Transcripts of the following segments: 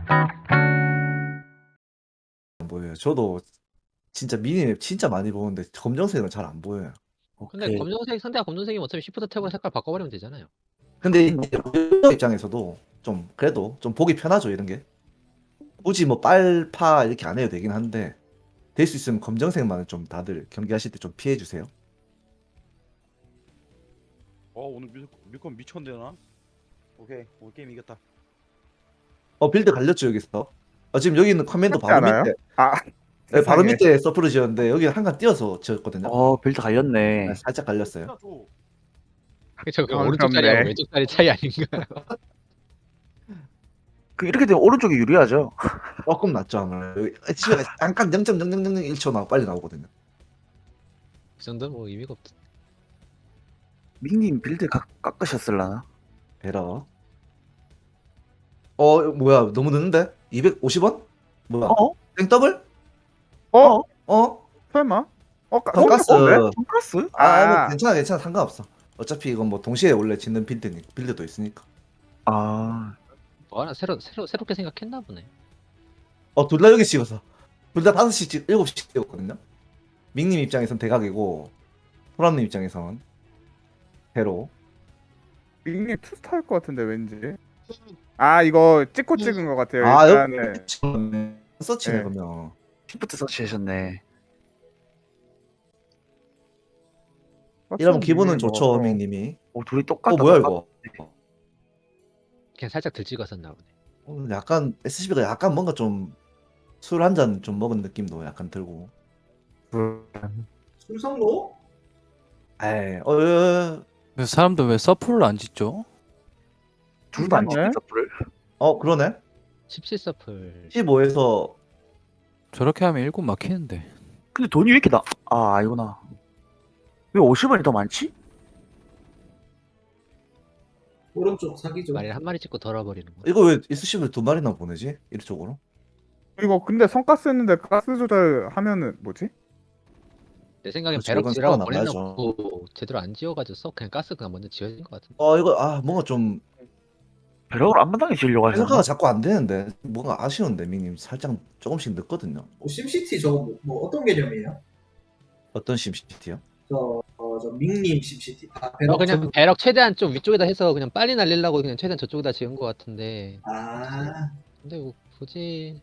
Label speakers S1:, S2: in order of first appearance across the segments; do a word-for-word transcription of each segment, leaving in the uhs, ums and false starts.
S1: 안 보여요. 저도 진짜 미니맵 진짜 많이 보는데 검정색은 잘 안 보여요.
S2: 근데
S3: 오케이.
S2: 검정색 상대가 검정색이면 어차피 시프트 탭으로 색깔 바꿔버리면 되잖아요.
S1: 근데 이제 유저 입장에서도 좀 그래도 좀 보기 편하죠 이런 게. 굳이 뭐 빨파 이렇게 안 해도 되긴 한데 될 수 있으면 검정색만 좀 다들 경기하실 때 좀 피해 주세요.
S4: 어 오늘 밀, 밀건 미쳤는데 나? 오케이 오늘 게임 이겼다.
S1: 어 빌드 갈렸죠 여기서. 어, 지금 여기 있는 커맨도
S5: 그렇지
S1: 바로
S5: 않아요?
S1: 밑에.
S5: 아,
S1: 네, 바로
S5: 세상에.
S1: 밑에 서프를 지었는데 여기 한칸 띄어서 지었거든요.
S3: 어 빌드 갈렸네.
S1: 네, 살짝 갈렸어요.
S2: 저 그
S5: 아,
S2: 오른쪽
S5: 그렇네.
S2: 자리하고 왼쪽 자리 차이 아닌가요?
S3: 그 이렇게 되면 오른쪽이 유리하죠.
S1: 조금 낫죠 아무래도. 여기 집에 잠깐 영 점 영영영일 초 나고 빨리 나오거든요.
S2: 그 정도는 뭐 의미가 없.
S3: 밍님 빌드 깎, 깎으셨을라나?
S1: 베러. 어 뭐야 너무 늦는데? 이백오십 원? 뭐야?
S3: 어?
S1: 땡더블?
S5: 어?
S1: 어?
S5: 설마? 어, 가-
S1: 돈가스.
S5: 어, 그래?
S3: 돈가스?
S1: 아,
S5: 아.
S1: 뭐 괜찮아 괜찮아 상관없어. 어차피 이건 뭐 동시에 원래 짓는 빌드니 빌드도 있으니까.
S3: 아
S2: 뭐 하나 새로 새로 새롭게 생각했나 보네.
S1: 어 둘 다 여기 찍어서 둘 다 다섯 시 찍 일곱 시 찍었거든요. 밍님 입장에선 대각이고 소람님 입장에선 배로.
S5: 닉님 투스타일 것 같은데 왠지. 아, 이거 찍고 찍은 것 같아요.
S1: 아
S5: 일단은.
S1: 여기 찍었네. 서치네
S5: 네.
S1: 그러면.
S3: 시프트 서치하셨네.
S1: 이러면 기분은
S5: 뭐,
S1: 좋죠
S5: 어.
S1: 밍님이.
S3: 오 둘이 똑같다.
S1: 어 뭐야
S3: 똑같-
S1: 이거.
S2: 그냥 살짝 들 찍었었나 보네.
S1: 오늘 약간 에스씨비가 약간 뭔가 좀 술 한 잔 좀 먹은 느낌도 약간 들고.
S6: 술성로?
S1: 에이, 어, 어,
S7: 근데 사람들 왜 서플을 안 짓죠?
S3: 둘다 안
S5: 네.
S3: 찍는 서프를.
S1: 어, 그러네.
S2: 십칠 서플.
S1: 십오에서
S7: 저렇게 하면 일곱 막히는데.
S3: 근데 돈이 왜 이렇게 나? 아 이구나. 왜 오십 원이 더 많지?
S6: 오른쪽 사기죠.
S2: 말에 한 마리 찍고 덜어버리는 거.
S1: 이거 왜 에스씨비를 두 마리나 보내지? 이쪽으로?
S5: 이거 근데 성가스 했는데 가스 조절하면은 뭐지?
S2: 내 생각엔
S1: 그렇죠,
S2: 배럭
S1: 이건
S2: 지라고
S1: 상관 안
S2: 버리려고 제대로 안 지어가지고 써 그냥 가스 그냥 먼저 지어진 것 같은데.
S1: 어, 이거 아 뭔가 좀
S3: 배럭을 앞마당에 지으려고 하잖아.
S1: 생각가 자꾸 안 되는데 뭔가 아쉬운데 밍님 살짝 조금씩 늦거든요.
S6: 뭐 심시티 저거 뭐, 뭐 어떤 개념이에요?
S1: 어떤 심시티요?
S6: 저, 어, 저 밍님 심시티. 아,
S2: 어,
S6: 배럭
S2: 그냥
S6: 저-
S2: 배럭 최대한 좀 위쪽에다 해서 그냥 빨리 날리려고 그냥 최대한 저쪽에다 지은 것 같은데.
S6: 아,
S2: 근데 뭐 굳이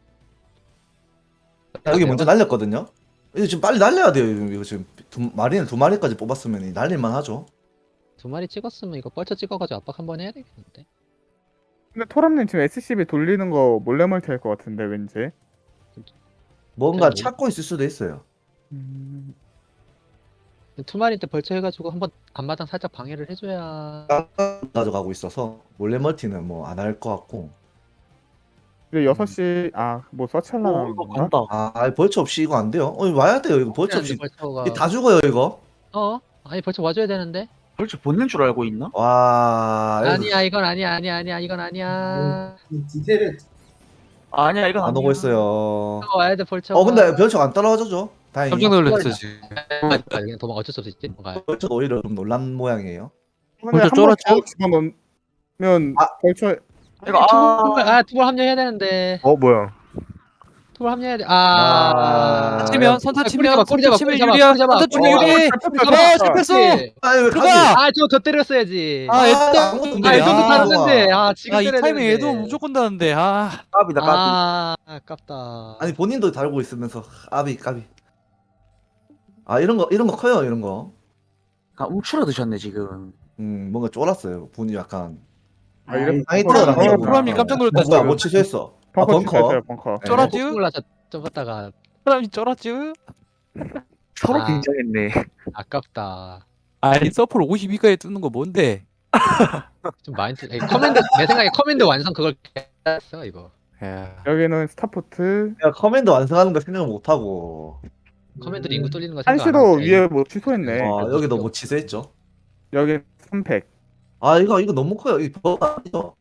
S1: 여기 먼저 날렸거든요. 이거 지금 빨리 날려야 돼요. 이거 지금 두 마리는 두 마리까지 뽑았으면 날릴만 하죠.
S2: 두 마리 찍었으면 이거 뻘쳐 찍어가지고 압박 한번 해야 되겠는데.
S5: 근데 토람님 지금 에스씨비 돌리는 거 몰래 멀티 할 것 같은데 왠지.
S1: 뭔가
S2: 뭐-
S1: 찾고 있을 수도 있어요.
S5: 음,
S2: 두 마리 때 벌쳐 해가지고 한번 앞마당 살짝 방해를 해줘야.
S1: 가져가고 있어서 몰래 멀티는 뭐 안 할 것 같고.
S5: 이제 여섯 시 아, 뭐 서치하려는
S3: 오 이거
S5: 건가?
S3: 간다.
S1: 아, 벌처 없이 이거 안 돼요. 어, 이거 와야 돼요. 이거 벌처 없이
S2: 벌쳐가.
S1: 이게 다 죽어요 이거.
S2: 어? 아니 벌쳐 와줘야 되는데.
S3: 벌써 본는 줄 알고 있나?
S1: 와, 이거
S2: 아니야 이건 아니야 아니야 아니야 이건 아니야.
S6: 이 디테일을
S3: 아, 아니야 이건
S1: 안
S3: 아니야.
S1: 오고 있어요.
S2: 벌쳐 와야 돼 벌쳐.
S1: 어, 근데 벌처가 안 따라와줘죠. 다행히.
S7: 깜짝 놀랐어 지금.
S2: 그냥 도망 어쩔 수 없지. 뭔가
S1: 벌처가 오히려 좀 놀란 모양이에요.
S5: 근데
S7: 벌써
S5: 한번
S7: 쫄았죠?
S5: 더 집어넣으면
S1: 아.
S5: 벌써
S3: 이거 아,
S2: 아 투볼 합류해야 되는데.
S5: 어 뭐야?
S2: 투볼 합류해야 돼.
S1: 아.
S2: 아.
S7: 치면 선타
S2: 꼬리
S7: 치면
S2: 잡아, 꼬리
S7: 선타
S2: 잡아,
S7: 치면
S2: 꼬리 잡아,
S7: 유리야.
S2: 꼬리 잡아.
S7: 선타 치면
S2: 어,
S7: 유리.
S5: 잡혔다,
S7: 아
S5: 잡혔다.
S7: 잡혔어.
S1: 아니 왜
S7: 그거!
S1: 가지?
S2: 아, 저거 더 때렸어야지.
S7: 아
S2: 아,
S7: 애도
S1: 아무것도
S7: 없는데.
S2: 아, 이
S1: 아,
S2: 정도
S7: 아,
S2: 다르는데. 아, 지금
S7: 아, 이
S2: 때려야
S7: 타이밍
S2: 되는데.
S7: 애도 무조건 다는데. 아.
S3: 까비다 까비.
S2: 아, 아깝다.
S1: 아니 본인도 달고 있으면서 까비 까비. 아 이런 거 이런 거 커요 이런 거.
S3: 아, 움츠러 드셨네 지금.
S1: 음 뭔가 쫄았어요. 분이 약간.
S5: 아, 이래
S1: 아니
S5: 벙커
S1: 들어가는
S5: 나가고.
S1: 거구나.
S7: 프람님 깜짝 놀랐다,
S1: 뭐야
S7: 지금.
S1: 뭐 취소했어. 아,
S5: 벙커
S1: 벙커.
S5: 치셨어요, 벙커.
S1: 네.
S7: 쫄았지?
S2: 몰라서 좀 갔다가
S7: 사람이 쫄았지?
S3: 서로
S2: 아.
S3: 긴장했네.
S2: 아깝다.
S7: 아니 서플 오십이까지 뜨는 거 뭔데?
S2: 좀 마인드. 아니, 커맨드 내 생각에 커맨드 완성 그걸 했어 이거.
S7: 야.
S5: 여기는 스타포트.
S1: 내가 커맨드 완성하는 거 생각 못 하고.
S2: 커맨드로 인구 뚫리는 거 생각 안
S5: 한시도
S2: 하고
S5: 위에 뭐 취소했네.
S1: 아
S2: 그래도
S1: 여기도
S2: 좀-
S1: 뭐 취소했죠.
S5: 여기 삼백.
S1: 아 이거 이거 너무 커요. 이거 아니죠?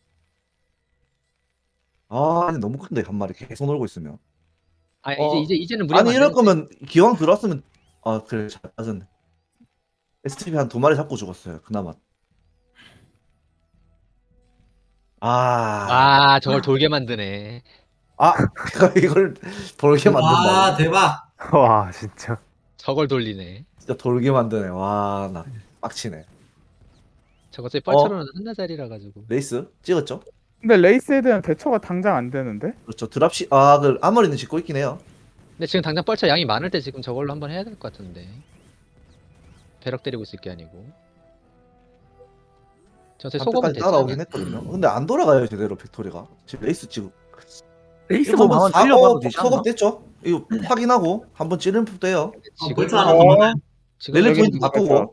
S1: 아 아니 너무 큰데 한 마리 계속 놀고 있으면.
S2: 아니
S1: 어.
S2: 이제 이제 이제는 무리.
S1: 아니 이럴 거면 기왕 들어왔으면 아 그래 잘 빠졌네. 에스티비 한 두 마리 잡고 죽었어요. 그나마. 아,
S2: 아 저걸 돌게 만드네.
S1: 아, 이걸 돌게
S6: 와
S1: 만든다.
S6: 대박.
S8: 와 진짜.
S2: 저걸 돌리네.
S1: 진짜 돌게 만드네. 와, 나 빡치네.
S2: 저거 제 뻘처럼 한나자리라 가지고.
S1: 레이스 찍었죠?
S5: 근데 레이스에 대한 대처가 당장 안 되는데?
S1: 그렇죠. 드랍시 아, 그 아머리는 짓고 있긴 해요.
S2: 근데 지금 당장 뻘처 양이 많을 때 지금 저걸로 한번 해야 될 것 같은데. 배럭 때리고 있을 게 아니고. 저새 소금은
S1: 한때까지 따라오긴
S2: 됐잖아.
S1: 했거든요. 근데 안 돌아가요 제대로 팩토리가. 지금 레이스 지금
S3: 레이스만 한번
S1: 한번
S3: 찔려봐도 되지 않나?
S1: 소급 됐죠? 이거 확인하고 한번 찌르면 돼요.
S6: 어,
S2: 지금
S6: 벌써 하나 더.
S2: 지금
S1: 렐레
S5: 여기
S1: 포인트
S5: 있는
S1: 바꾸고.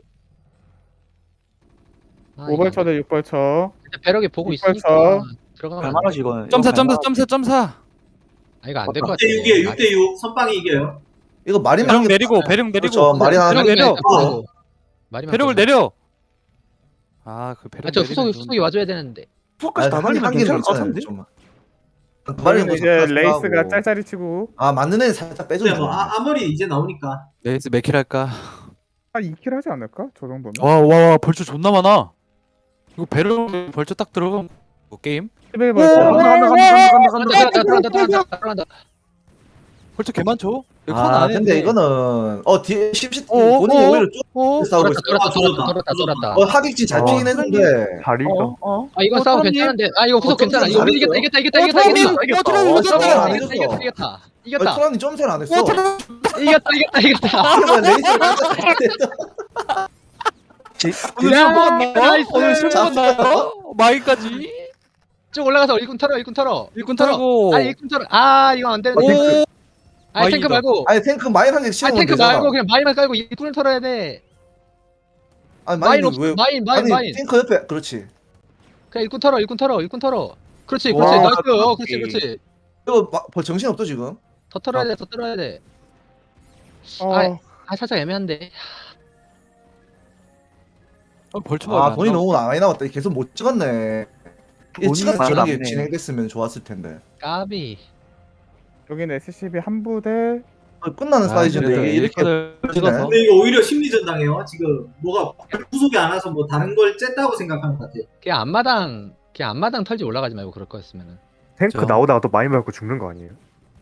S2: 아,
S5: 오벌처 대 육벌처.
S2: 이거 배럭이 보고
S5: 육벌처.
S2: 있으니까 들어가면 안 돼.
S3: 갈만하지 이거는.
S7: 점사
S3: 이거
S7: 점사
S3: 갈만하지.
S7: 점사 점사.
S2: 아 이거 안 될 것 같아.
S6: 육 대 육이에요. 육 대 육. 선빵이 이겨요.
S1: 이거 마린
S7: 배령
S1: 하는 게
S7: 내리고 배령 내리고.
S1: 그렇죠. 마린 하나
S7: 배령 내려.
S2: 말이
S7: 배령을 내려. 아그 배령
S2: 아저
S7: 내리면
S2: 후속이
S7: 좀-
S2: 후속이 와줘야 되는데.
S3: 수업까지 다 달리면 괜찮을 것 같은데?
S5: 여기는 이제 레이스가 짤짤이 치고.
S1: 아, 맞는 애는 살짝
S6: 근데
S1: 빼줘야
S6: 뭐
S1: 돼.
S6: 아, 아무리 이제 나오니까.
S7: 레이스 몇 킬 할까?
S5: 한 이 킬 하지 않을까? 저 정도면?
S7: 와와 벌써 존나 많아. 이거 배령 벌써 딱 들어가면 뭐 게임?
S5: 십일
S3: 오,
S5: 벌처.
S3: 간다 간다 간다 간다 간다 간다.
S2: 들어간다 들어간다 들어간다 들어간다.
S7: 벌써 개 많죠? 이거
S1: 아,
S7: 안
S1: 근데
S7: 했는데.
S1: 이거는 어 뒤에 십시
S7: 어,
S1: 본인이
S7: 어,
S1: 오히려 쭉
S7: 어?
S1: 싸우고
S2: 돌았다
S1: 있어.
S2: 돌았다 돌았다 돌았다 돌았다.
S1: 어, 하객진 잘
S8: 어.
S1: 피긴 했는데.
S8: 다리가.
S3: 어, 어.
S2: 아 이건
S7: 어,
S2: 싸움
S7: 트럼님?
S2: 괜찮은데. 아 이거 후속
S1: 어,
S2: 괜찮아. 이거
S1: 트럼님
S2: 우리 이겼다 이겼다
S7: 어,
S2: 이겼다 이겼다
S7: 트럼님!
S2: 이겼다
S7: 어, 트럼님
S1: 어,
S7: 이겼다!
S1: 트럼님 안
S2: 이겼다
S1: 이겼어.
S2: 이겼다 이겼다
S1: 어,
S2: 이겼다
S1: 트럼이 점수를 안 했어.
S7: 어 트럼
S2: 이겼다 이겼다 이겼다.
S1: 그러면 레이스를
S7: 오늘
S2: 야,
S7: 실버가 나와?
S2: 나이스.
S7: 오늘 실버가 나와? 마이까지?
S2: 쭉 올라가서 일꾼 털어 일꾼 털어.
S7: 일꾼 털고.
S2: 아 일꾼 털어. 아 이거 안 되는데.
S7: 오.
S2: 아 탱크
S7: 마이다.
S2: 말고.
S1: 아니 탱크 마인 한개
S2: 아
S1: 씌우면
S2: 탱크
S1: 되잖아.
S2: 말고 그냥 마인만 깔고 일꾼을 털어야 돼.
S1: 아니
S2: 마인
S1: 마인
S2: 없어.
S1: 왜?
S2: 마인 마인
S1: 아니
S2: 마인.
S1: 탱크 옆에 그렇지.
S2: 그냥 일꾼 털어 일꾼 털어 일꾼 털어. 그렇지
S3: 와,
S2: 그렇지 나이스. 어,
S3: 오케이.
S2: 그렇지 그렇지.
S1: 이거 막 벌 정신 없어 지금.
S2: 더 털어야 돼 더 털어야 돼.
S5: 어.
S2: 아, 아 살짝 애매한데.
S7: 어, 벌초가
S1: 아 돈이 너무 많이 남았다. 계속 못 찍었네. 이
S3: 돈이
S1: 찍어서
S3: 많이
S1: 저런 게
S3: 남네.
S1: 진행됐으면 좋았을 텐데.
S2: 까비.
S5: 여기는 에스씨비 한 부대.
S1: 어, 끝나는 사이즈인데 이게 이렇게
S7: 찍어서.
S6: 근데 이거 오히려 심리전 당해요. 지금 뭐가 후속이 안 와서 뭐 다른 걸 쨌다고 생각하는 것 같아.
S2: 그냥 앞마당 그냥 앞마당 털지 올라가지 말고 그럴 거였으면은.
S8: 탱크
S7: 저-
S8: 나오다가 또 많이 맞고 죽는 거 아니에요?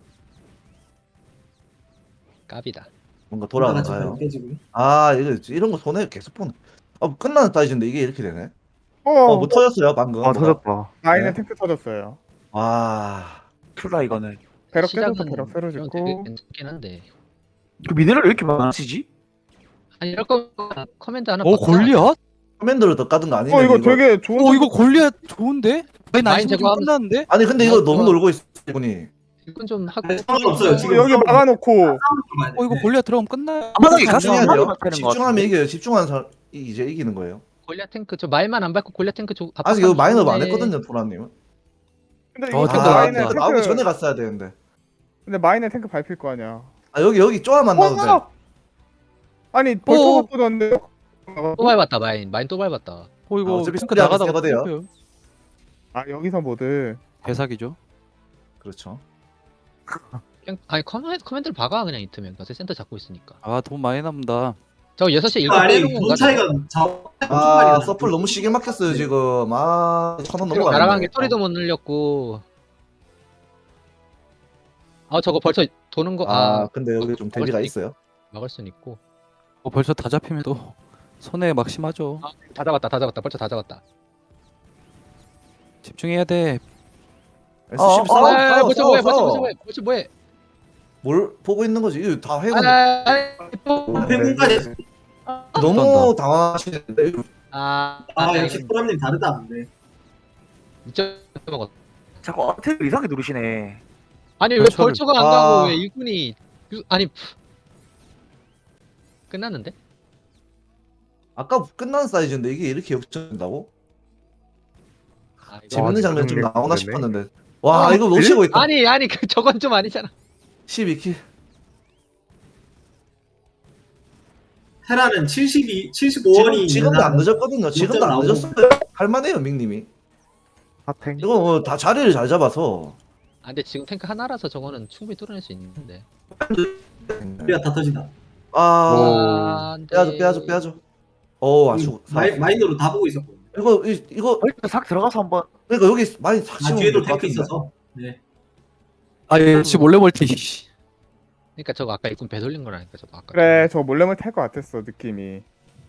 S2: 까비다.
S1: 뭔가
S6: 돌아가지고
S1: 돌아가요.
S6: 깨지고.
S1: 아 이거 이런 거 손해 계속 보네. 어 끝나는 사이즈인데 이게 이렇게 되네.
S5: 어,
S1: 어 뭐 터졌어요 방금.
S8: 아
S1: 뭐가.
S8: 터졌다.
S5: 마인에
S1: 네.
S5: 탱크 터졌어요.
S1: 와.
S3: 툴라 이거는.
S5: 배럭 깨져서
S2: 시작은
S5: 배럭 새로
S2: 되게
S5: 짓고.
S2: 괜찮긴 한데.
S3: 그 미네랄 왜 이렇게 많으시지?
S2: 아니 이럴 거면 커맨드 하나.
S7: 어
S2: 바꿔.
S7: 골리앗?
S1: 커맨드를 더 까든 거 아니냐?
S5: 어 이거 되게 좋은.
S7: 어 이거 골리앗 좋은데? 마인
S2: 마인
S7: 나이스 좀
S2: 제거하면-
S7: 끝났는데?
S1: 아니 근데 이거
S2: 어,
S1: 너무
S2: 좋아.
S1: 놀고 있어 이분이.
S2: 일꾼 좀 하고.
S6: 상관없어요. 지금
S5: 여기 막아놓고.
S7: 어 이거 골리앗 들어가면 끝나.
S3: 앞마당에 가서
S1: 집중해야
S3: 한
S1: 돼요.
S3: 마리만 패는 거
S1: 집중하면
S3: 같은데.
S1: 이겨요. 집중하는 사람 이- 이제 이기는 거예요.
S2: 골리앗 탱크 저 마인만 안 밟고 골리앗 탱크 조.
S1: 아직 이거 마이너브 안
S2: 좋은데.
S1: 했거든요, 도라님.
S5: 근데
S7: 어,
S5: 이거
S7: 탱크
S5: 마인에
S7: 나왔다.
S5: 탱크.
S1: 나오기 전에 갔어야 되는데.
S5: 근데 마인에 탱크 밟힐 거 아니야.
S1: 아 여기 여기 쪼아만 나오면 돼.
S5: 어! 아니 벌써
S7: 어.
S5: 바꾸던데.
S2: 또 밟았다 마인. 마인 또 밟았다.
S7: 어 이거
S1: 아, 어차피
S7: 탱크
S1: 스피드하면
S7: 나가다가
S1: 세거든요.
S7: 탱크요.
S5: 아 여기서 모드.
S7: 대사기죠.
S1: 그렇죠.
S2: 그냥 아니 커맨드 커맨드를 박아 그냥 이트면. 어차피 센터 잡고 있으니까.
S7: 아 돈 많이 남다.
S2: 저 여섯 시 일꾼
S6: 아니
S2: 빼는
S6: 돈
S2: 건가?
S6: 차이가 자.
S1: 아 서플 너무 시게 막혔어요 지금. 아 천원
S2: 그리고
S1: 넘어가네.
S2: 날아간 게 소리도 못 늘렸고. 아 저거 벌써 도는 거.
S1: 아
S2: 아
S1: 근데 여기 좀 데미지가 있어요.
S2: 막을 순 있고.
S7: 어 벌써 다 잡히면 또 손해 막심하죠.
S2: 아, 다 잡았다 다 잡았다 벌써 다 잡았다.
S7: 집중해야 돼.
S1: 에스씨비
S3: 어,
S1: 싸워
S2: 아,
S1: 싸워
S2: 벌써
S1: 싸워
S2: 뭐해 벌써
S1: 싸워.
S2: 벌써 뭐해 벌써 뭐해.
S1: 뭘 보고 있는 거지? 이거 다 해고.
S2: 아, 아, 또.
S6: 팽문까지.
S1: 너무 당황하시는데.
S2: 아,
S6: 아 역시 프람님 다르다. 근데.
S2: 이점 먹었.
S3: 자꾸 어택을 이상하게 누르시네.
S2: 아니 왜
S7: 벌처를-
S2: 벌처가 안
S1: 아.
S2: 가고 왜 일꾼이 유- 아니 푸. 끝났는데?
S1: 아까 끝난 사이즈인데 이게 이렇게 역전된다고?
S2: 아, 이거-
S1: 재밌는 장면 좀
S8: 그러네.
S1: 나오나
S8: 그러네.
S1: 싶었는데. 와 이거 놓치고 있다.
S2: 아니 아니 그 저건 좀 아니잖아.
S1: 십이 킬.
S6: 테라는 칠십이, 칠십오 원이
S1: 지금, 지금도 안 늦었거든요. 지금도 안
S6: 나오고.
S1: 늦었어요. 할만해요 밍님이.
S8: 핫탱.
S1: 이거 뭐 다 자리를 잘 잡아서.
S2: 아 근데 지금 탱크 하나라서 저거는 충분히 뚫어낼 수 있는데.
S6: 우리가 다 터진다.
S1: 아
S2: 아, 안 돼.
S1: 빼야죠 빼야죠 빼야죠. 오 아주
S6: 마이, 마이너로 다 보고 있었거든요.
S1: 이거 이, 이거
S3: 벌써 싹 들어가서 한번.
S1: 그러니까 여기 많이 삭
S6: 아
S1: 심으면
S6: 뒤에도
S1: 될것
S6: 탱크
S1: 같은데.
S6: 있어서. 네.
S7: 아예 지 몰래 멀티. 씨.
S2: 그러니까 저거 아까 일꾼 배돌린 거라니까 저거 아까.
S5: 그래 저거 몰래몰래 탈 것 같았어 느낌이.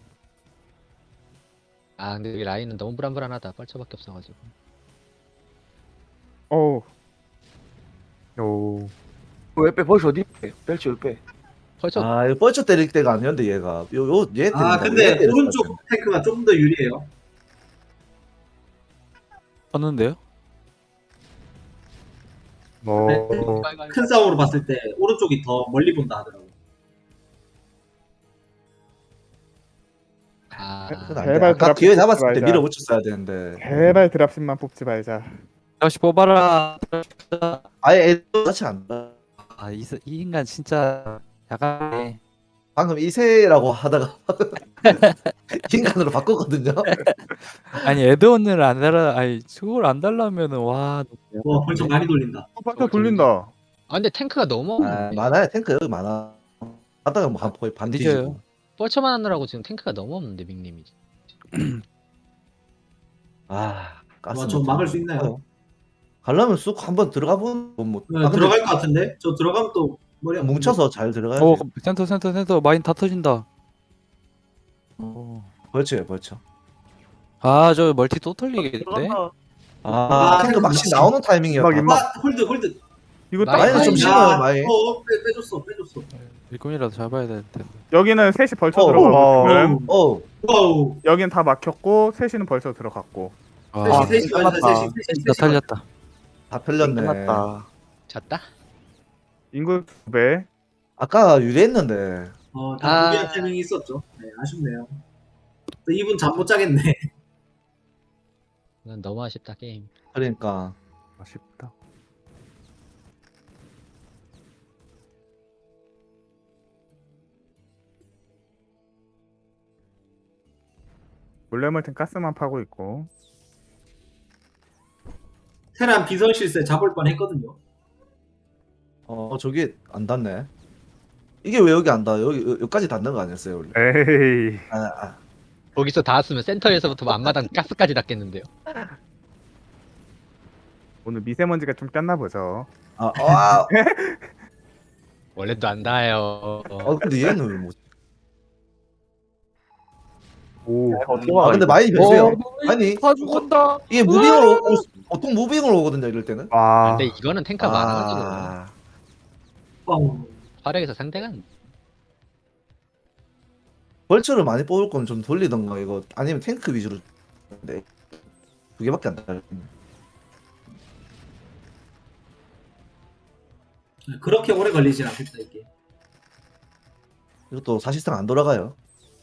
S2: 아 근데 여기 라인은 너무 불안불안하다. 뻘쳐밖에 없어가지고.
S5: 어우
S8: 오.
S3: 왜 빼? 벌써 어디 빼? 뺄지 왜 빼?
S2: 뻘쳐
S1: 아 이거 뻘쳐 때릴 때가 아니었는데 얘가 요요얘
S6: 아 근데 오른쪽 탱크가 조금 더 유리해요.
S7: 봤는데요?
S8: 어.
S6: 큰 싸움으로 봤을 때 오른쪽이 더 멀리 본다 하더라고.
S2: 아
S5: 제발
S1: 아까
S5: 드랍
S1: 기회
S5: 뽑지
S1: 잡았을 때
S5: 말자.
S1: 밀어붙였어야 되는데
S5: 제발 드랍십만 뽑지 말자.
S7: 다시 뽑아라.
S1: 아예 애도 같이 안 나.
S7: 아이 이 인간 진짜 약간의
S1: 방금 이세라고 하다가 인간으로 바꿨거든요.
S7: 아니 에드원을 안 달라. 아니 저걸 안 달라면은 와.
S6: 와 벌써 많이 돌린다.
S5: 어, 벌써 돌린다.
S2: 아 근데 탱크가 너무
S1: 아,
S2: 없네.
S1: 많아요 탱크 여기 많아. 하다가 뭐 한- 거의 반
S7: 뒤져요.
S1: 뒤지고.
S2: 뻘쳐만 하느라고 지금 탱크가 너무 없는데 빅님이.
S1: 아 가스.
S6: 와, 저 막을 수 있나요?
S1: 가려면 쑥 한번 들어가 보면 뭐.
S6: 네,
S1: 아, 근데
S6: 들어갈 것 같은데? 저 들어가면 또 머리 아픈데.
S1: 뭉쳐서 잘 들어가야지.
S7: 어 센터 센터 센터 마인 다 터진다. 어.
S1: 벌쳐요 벌쳐.
S7: 아저 멀티 또 털리겠는데?
S3: 들어간다.
S1: 아,
S6: 아,
S1: 탱크 막시
S6: 막시.
S1: 나오는 타이밍이었다.
S8: 임막, 임막.
S6: 아 홀드 홀드.
S5: 이거
S2: 많이
S5: 딱
S1: 마이는 좀
S2: 야,
S1: 심어요 마이.
S6: 어 빼, 빼줬어 빼줬어.
S7: 일꾼이라도 잡아야 될 텐데.
S5: 여기는 셋이 벌쳐
S1: 어,
S5: 들어가고
S8: 어.
S5: 지금
S1: 어
S6: 와우.
S5: 여긴 다 막혔고 셋이는 벌쳐 들어갔고.
S7: 아
S6: 셋이 셋이 완전
S3: 끝났다.
S6: 셋이 셋이
S7: 다
S6: 셋이.
S7: 털렸다.
S1: 다 펼렸네.
S3: 끝났다.
S2: 졌다.
S5: 인구 두 배.
S1: 아까 유리했는데.
S6: 어,
S2: 아.
S6: 다 무리한 타이밍이 있었죠. 네, 아쉽네요. 또 이분 잠 못 자겠네.
S2: 이건 너무 아쉽다 게임.
S1: 그러니까
S8: 아쉽다.
S5: 몰래몰래 가스만 파고 있고.
S6: 테란 비선 실세 잡을 뻔 했거든요.
S1: 어 저기 안 닿네. 이게 왜 여기 안 닿아? 여기 여- 여기까지 닿는 거 아니었어요 원래?
S8: 에이.
S1: 아, 아.
S2: 거기서 닿았으면 센터에서부터 앞마당 가스까지 닿겠는데요.
S5: 오늘 미세먼지가 좀 꼈나 보죠.
S1: 아, 아,
S2: 원래도 안 닿아요.
S1: 어, 근데 얘는 뭐?
S8: 오.
S3: 어떻게
S1: 아
S3: 와?
S1: 근데
S3: 이거?
S1: 많이 변수요. 아니
S7: 다 죽었다.
S1: 이게 무빙으로 오, 보통 무빙으로 오거든요 이럴 때는.
S8: 와.
S2: 근데 이거는 탱크가 많아가지고
S1: 아,
S6: 뻥.
S2: 화력에서 상대가 안-
S1: 벌처를 많이 뽑을 건 좀 돌리던가 이거 아니면 탱크 위주로. 네. 두 개밖에 안 닿아.
S6: 그렇게 오래 걸리진 않겠다 이게.
S1: 이것도 사실상 안 돌아가요.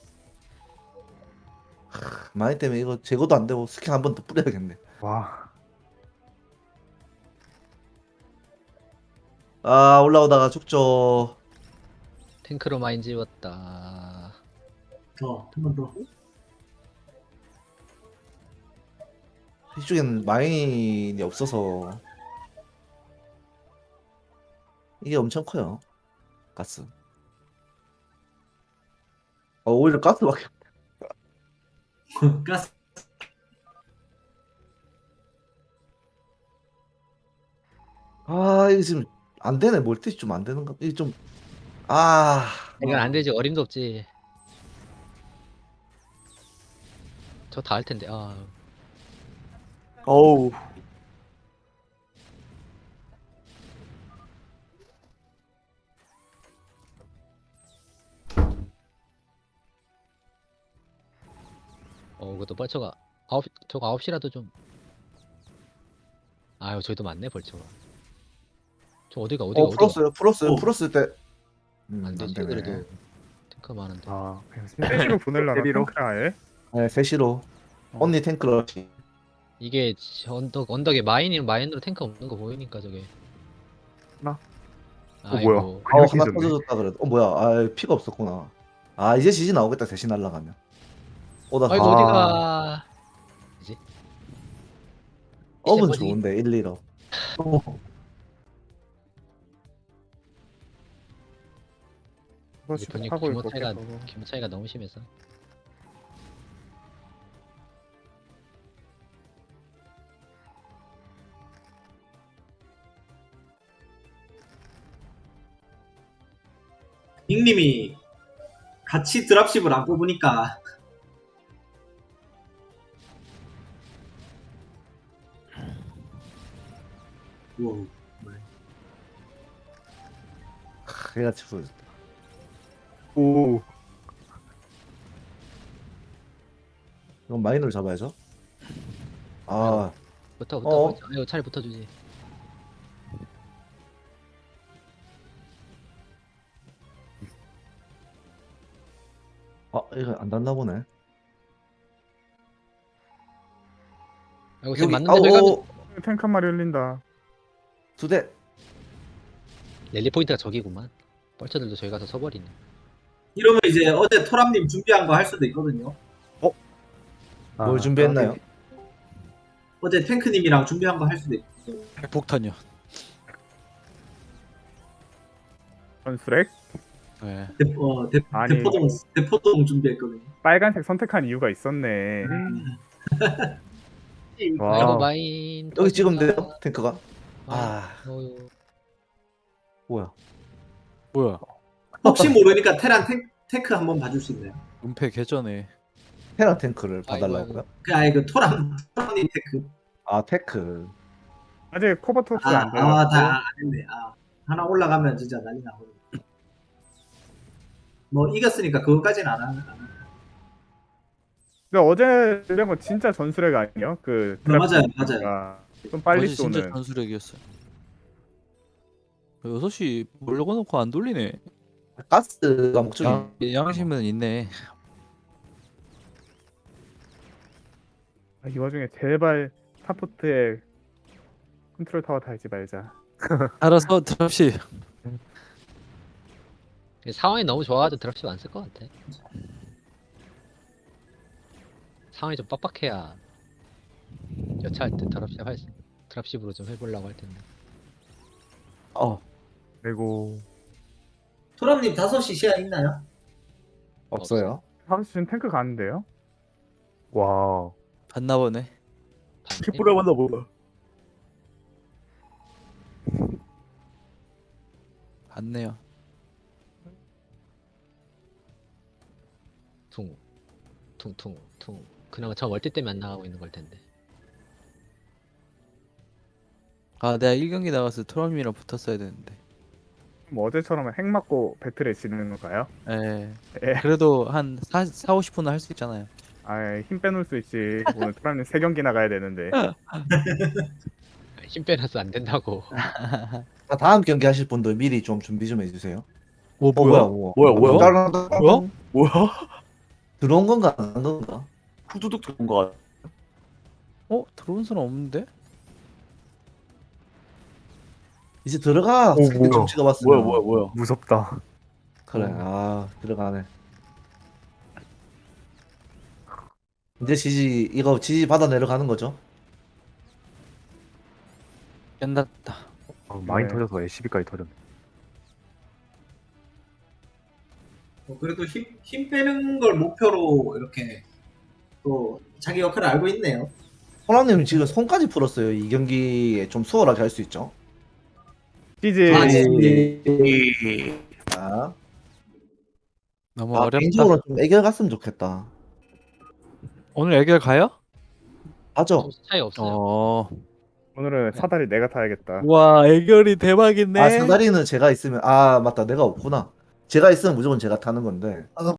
S1: 하, 많이 때문에 이거 제거도 안 되고 스킨 한 번 더 뿌려야겠네.
S8: 와.
S1: 아 올라오다가 죽죠.
S2: 탱크로 마인 지웠다.
S6: 더, 한 번 더.
S1: 이쪽에는 마인이 없어서 이게 엄청 커요. 가스. 어 오히려 가스밖에.
S6: 가스.
S1: 아 이게 지금 안 되네. 멀티 좀 안 되는가? 이게 좀. 아
S2: 이건 안 되지. 어림도 없지. 저 다 할 텐데. 아
S3: 어우.
S2: 어, 그것도 벌처가 아홉 저거 아홉 시라도 좀. 아유, 저기도 많네 벌처가. 저 어디가 어디가
S1: 어
S2: 어디가.
S1: 풀었어요. 풀었어요.
S6: 어.
S1: 풀었을 때. 음,
S2: 안
S1: 안
S2: 되지
S1: 되네.
S2: 그래도 탱크 많은데.
S8: 아. 그냥
S5: 셋이로 보내려나
S8: 세비로?
S5: 탱크를 아예?
S1: 네, 셋시로. 언니 탱크러시.
S2: 이게 저 언덕 언덕에 마인이 마인으로 탱크 없는 거 보이니까 저게.
S5: 나?
S8: 어, 뭐야?
S1: 어
S8: 그냥
S1: 하나
S8: 뒤졌네.
S1: 터져줬다 그래도. 어 뭐야? 아 피가 없었구나. 아 이제 지지 나오겠다. 대신 날라가면. 오다.
S2: 아이고
S8: 아.
S2: 어디가.
S1: 업은
S2: 뭐지?
S1: 좋은데 일, 일 업.
S5: 버스
S2: 보니까
S5: 하고
S2: 규모
S5: 있고
S2: 차이가
S5: 계속.
S2: 규모 차이가 너무 심해서.
S6: 닉님이 같이 드랍십을 안 뽑으니까 우와.
S1: 얘가 치고
S8: 오.
S1: 이건 마이너를 잡아야죠. 아,
S2: 붙어 붙어
S1: 어.
S2: 붙어. 이거 차라리 붙어주지.
S1: 아 이거 안 닿나 보네.
S2: 이거 지금
S1: 여기
S2: 맞는데 저희가
S1: 아오
S5: 탱크 한 마리 흘린다.
S1: 두 대.
S2: 랠리 포인트가 저기구만. 뻘쳐들도 저희 가서 서버리네.
S6: 이러면 이제 어제 토람님 준비한 거 할 수도 있거든요.
S1: 뭘
S8: 아,
S1: 준비했나요?
S6: 어제 탱크님이랑 준비한 거 할 수도 있고.
S7: 핵폭탄이요.
S5: 전술핵?
S7: 네.
S6: 대, 어, 대,
S5: 아니.
S6: 대포동 대포동 준비했거든요.
S5: 빨간색 선택한 이유가 있었네.
S2: 아이고
S8: 와우.
S2: 마인.
S1: 여기 찍으면 돼요
S2: 터진다.
S1: 탱크가.
S2: 아,
S1: 아
S2: 어휴.
S1: 뭐야?
S7: 뭐야?
S6: 혹시 모르니까 테란 탱, 탱크 한번 봐줄 수 있나요?
S7: 은폐 개전에.
S1: 테라 탱크를
S2: 아이고,
S1: 봐달라고요?
S6: 그 아예 그 토람 토람님 탱크.
S1: 아 테크.
S5: 아직 코버토스
S6: 아,
S5: 안 돼요.
S6: 아, 다 안 했네. 아, 하나 올라가면 진짜 난리 나거든요. 뭐 이겼으니까 그거까지는 안 하는.
S5: 근데 어제 이런 거 진짜 전술핵 아니에요? 그
S6: 네, 맞아요,
S5: 드랍-
S6: 맞아요.
S5: 아, 좀 빨리
S7: 어제 진짜
S5: 쏘는.
S7: 전술핵이었어요. 여섯 시 몰려고 놓고 안 돌리네.
S1: 가스가 목적이.
S7: 양, 양심은 있네.
S5: 아, 이 와중에 제발 스타포트에 컨트롤 타워 달지 말자.
S7: 알아서 드랍시.
S2: 상황이 너무 좋아가지고 드랍십 안 쓸 것 같아. 상황이 좀 빡빡해야 여차할 때 드랍십 할 수- 드랍십으로 좀 해보려고 할 텐데.
S1: 어
S8: 그리고
S6: 토람님 다섯 시 시야 있나요?
S1: 없어요.
S5: 다섯 시 지금 탱크 가는데요?
S8: 와.
S7: 봤나 보네.
S2: 봤네?
S8: 킥보라 만나 보다.
S7: 봤네요.
S2: 퉁, 퉁퉁, 퉁. 그나마 저 멀티 때문에 안 나가고 있는 걸 텐데.
S7: 아 내가 일 경기 나가서 트럼이랑 붙었어야 되는데.
S5: 뭐 어제처럼 핵 맞고 배틀에 지는 건가요?
S7: 예.
S5: 예.
S7: 그래도 한 사, 오십 분은 할 수 있잖아요.
S5: 아, 힘 빼놓을 수 있지. 오늘 토라님 세 경기 나가야 되는데.
S2: 힘 빼놔서 안 된다고.
S1: 자, 다음 경기 하실 분들 미리 좀 준비 좀 해주세요.
S7: 오
S1: 어 뭐야 뭐.
S8: 뭐야, 뭐야?
S7: 뭐야?
S8: 뭐야?
S1: 들어온 건가 안 들어온 건가?
S8: 후두둑 들어온 거 같아.
S7: 어? 들어온 사람 없는데?
S1: 이제 들어가.
S8: 오,
S1: 스킬
S8: 뭐야.
S1: 좀 찍어봤으면.
S8: 뭐야, 뭐야, 뭐야. 무섭다.
S1: 그래. 아 들어가네. 이제 지지 이거 지지 받아 내려가는 거죠?
S7: 끝났다.
S8: 아, 많이
S5: 네.
S8: 터져서 에시비까지 터졌네.
S6: 뭐 그래도 힘, 힘 빼는 걸 목표로 이렇게 또 자기 역할을 알고 있네요.
S1: 호랑님 지금 손까지 풀었어요. 이 경기에 좀 수월하게 할 수 있죠.
S5: 지지.
S6: 아, 네.
S1: 아,
S7: 너무
S1: 아
S7: 어렵다.
S1: 개인적으로 좀 애결 갔으면 좋겠다.
S7: 오늘 애결 가요?
S1: 하죠.
S2: 점수 차이 없어요.
S7: 어.
S5: 오늘은 사다리 내가 타야겠다.
S7: 와 애결이 대박이네.
S1: 아 사다리는 제가 있으면 아 맞다 내가 없구나. 제가 있으면 무조건 제가 타는 건데.